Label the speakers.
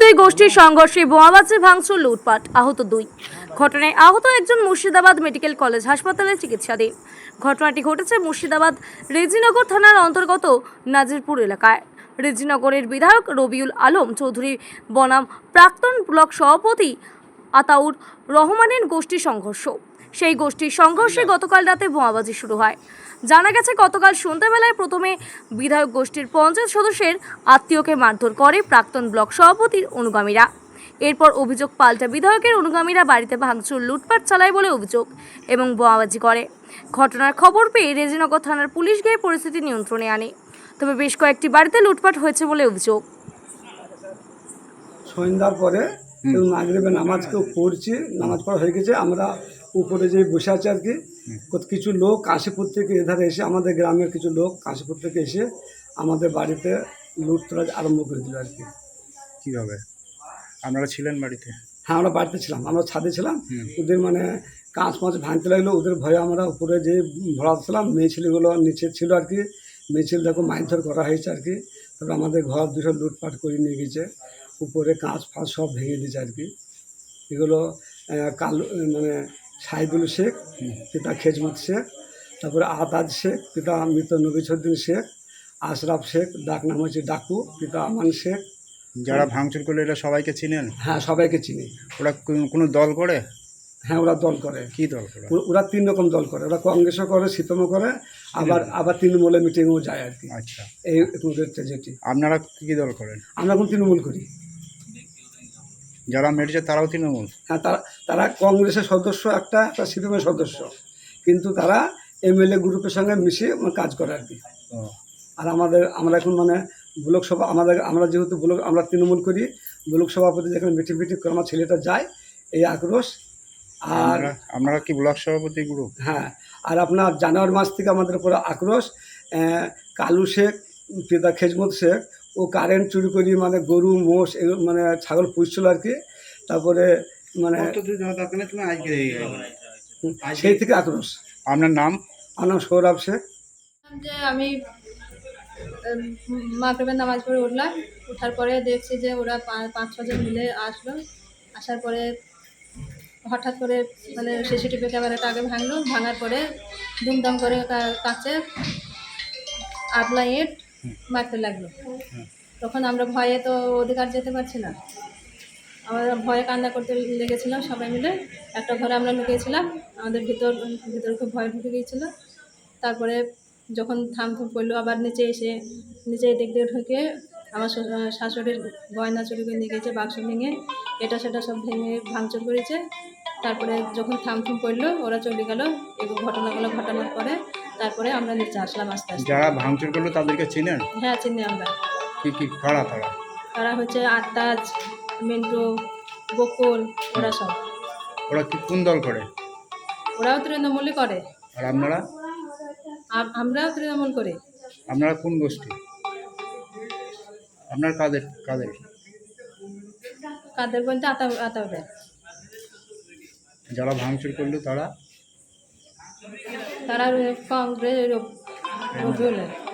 Speaker 1: দুই গোষ্ঠীর সংঘর্ষে বোমাবাজি ভাঙচুর লুটপাট আহত দুই। ঘটনায় আহত একজন মুর্শিদাবাদ মেডিকেল কলেজ হাসপাতালে চিকিৎসাধীন। ঘটনাটি ঘটেছে মুর্শিদাবাদ রেজিনগর থানার অন্তর্গত নাজিরপুর এলাকায়। রেজিনগরের বিধায়ক রবিউল আলম চৌধুরী বনাম প্রাক্তন ব্লক সভাপতি আতাউর রহমানের গোষ্ঠী সংঘর্ষ। সেই গোষ্ঠীর সংঘর্ষে গতকাল রাতে বোমাবাজি শুরু হয়। জানা গেছে গতকাল সন্ধ্যাবেলায় প্রথমে বিধায়ক গোষ্ঠীর পঞ্চায়েত সদস্যের আত্মীয়কে মারধর করে প্রাক্তন ব্লক সভাপতির অনুগামীরা। এরপর অভিযোগ পাল্টা বিধায়কের অনুগামীরা বাড়িতে ভাঙচুর লুটপাট চালায় বলে অভিযোগ এবং বোমাবাজি করে। ঘটনার খবর পেয়ে রেজিনগর থানার পুলিশ গিয়ে পরিস্থিতি নিয়ন্ত্রণে আনে, তবে বেশ কয়েকটি বাড়িতে লুটপাট হয়েছে বলে অভিযোগ।
Speaker 2: সন্ধ্যার পরে মাগরিবে নামাজ কেউ পড়ছি, নামাজ পড়া হয়ে গেছে, আমরা উপরে যে বসে আছি আর কি। কিছু লোক কাশীপুর থেকে এধারে এসে, আমাদের গ্রামের কিছু লোক কাশীপুর থেকে এসে আমাদের বাড়িতে লুটতরাজ আরম্ভ করে দিল আর কি।
Speaker 3: কীভাবে আপনারা ছিলেন বাড়িতে?
Speaker 2: হ্যাঁ, আমরা বাড়িতে ছিলাম, আমরা ছাদে ছিলাম। ওদের মানে কাঁচ মাছ ভাঙতে লাগলো, ওদের ভয়ে আমরা উপরে যে ভরাচ্ছিলাম, মেয়ে ছেলেগুলো নিচে ছিল আর কি। মেয়ে ছেলেটাকে মারধর করা হয়েছে আর কি। তবে আমাদের ঘর দুটো লুটপাট করে নিয়ে গেছে, উপরে কাঁচ ফাঁচ সব ভেঙে দিয়েছে আর কি। এগুলো কালু মানে সাইদুল শেখ, পিতা খেজমত শেখ, তারপরে আতাজ শেখ, পিতা মৃত নবিছুদ্দিন শেখ, আশরাফ শেখ, ডাক নাম হচ্ছে ডাকু, পিতা আমান শেখ।
Speaker 3: যারা ভাঙচুর করলো এটা সবাইকে চিনেন?
Speaker 2: হ্যাঁ, সবাইকে চিনি।
Speaker 3: ওরা কোনো দল করে?
Speaker 2: হ্যাঁ, ওরা দল করে।
Speaker 3: কি দল করে?
Speaker 2: ওরা তিন রকম দল করে, ওরা কংগ্রেসও করে, সিপিএমও করে, আবার তৃণমূলে মিটিংও যায় আর কি।
Speaker 3: আচ্ছা,
Speaker 2: এই ওদের যেটি।
Speaker 3: আপনারা কী দল করেন?
Speaker 2: আমরা এখন তৃণমূল করি।
Speaker 3: যারা মেরেছে তারাও তৃণমূল?
Speaker 2: হ্যাঁ, তারা কংগ্রেসের সদস্য, একটা সিপিএমের সদস্য, কিন্তু তারা এমএলএ গ্রুপের সঙ্গে মিশে কাজ করে আর কি। আর আমরা এখন মানে ব্লক সভা, আমরা যেহেতু আমরা তৃণমূল করি, ব্লক সভাপতি যেখানে মিটিং করে আমার ছেলেটা যায়, এই আক্রোশ। আর
Speaker 3: আপনারা কি ব্লক সভাপতি গ্রুপ?
Speaker 2: হ্যাঁ, আর আপনার জানুয়ারি মাস থেকে আমাদের উপরে আক্রোশ। কালু শেখ, পিতা খেজমত শেখ, ও কারেন্ট চুরি করি, মানে গরু মোষ মানে ছাগল পুষছিল আর কি। তারপরে মানে সেই থেকে আক্রোশ।
Speaker 3: আপনার নাম?
Speaker 2: আমার নাম সৌরভ শেখ।
Speaker 4: যে আমি মাগরিবের নামাজ পড়ে উঠলাম, ওঠার পরে দেখছি যে ওরা 5-6 জন মিলে আসলো। আসার পরে হঠাৎ করে মানে সিসিটিভি ক্যামেরাটা আগে ভাঙলো, ভাঙার পরে দুমদাম করে কাছে আদলা ইট মারতে লাগলো। তখন আমরা ভয়ে তো অধিকার যেতে পারছি না, আমরা ভয়ে কান্না করতে লেগেছিলাম সবাই মিলে। একটা ঘরে আমরা লুকিয়েছিলাম, আমাদের ভিতরে খুব ভয় ঢুকে গিয়েছিলো। তারপরে যখন থাম পড়লো, আবার নিচে দিক দিয়ে ঢুকে আমার শাশুড়ির গয়না চুরি করে নিয়ে গেছে, বাক্স ভেঙে এটা সেটা সব ভেঙে ভাঙচুর করেছে। তারপরে যখন থাম পড়লো, ওরা চলে গেল। এই ঘটনাগুলো ঘটানোর পরে তারপরে আমরা নিচে আসলাম আস্তে আস্তে।
Speaker 3: যারা ভাঙচুর করলো তাদেরকে চিনেন?
Speaker 4: হ্যাঁ, চিনি আমরা।
Speaker 3: কি কারা?
Speaker 4: তারা হচ্ছে আত্মাজ, মিন্টু, বকুল, ওরা সব।
Speaker 3: ওরা কি কোন দল করে?
Speaker 4: ওরাও তৃণমূলই করে।
Speaker 3: আর আপনারা?
Speaker 4: আমরাও তৃণমূল করি।
Speaker 3: আপনারা কোন গোষ্ঠী? আপনার কাদের?
Speaker 4: কাদের বলতে আতাউরে।
Speaker 3: যারা ভাঙচুর করলো তারা
Speaker 4: কংগ্রেস রবিউলের।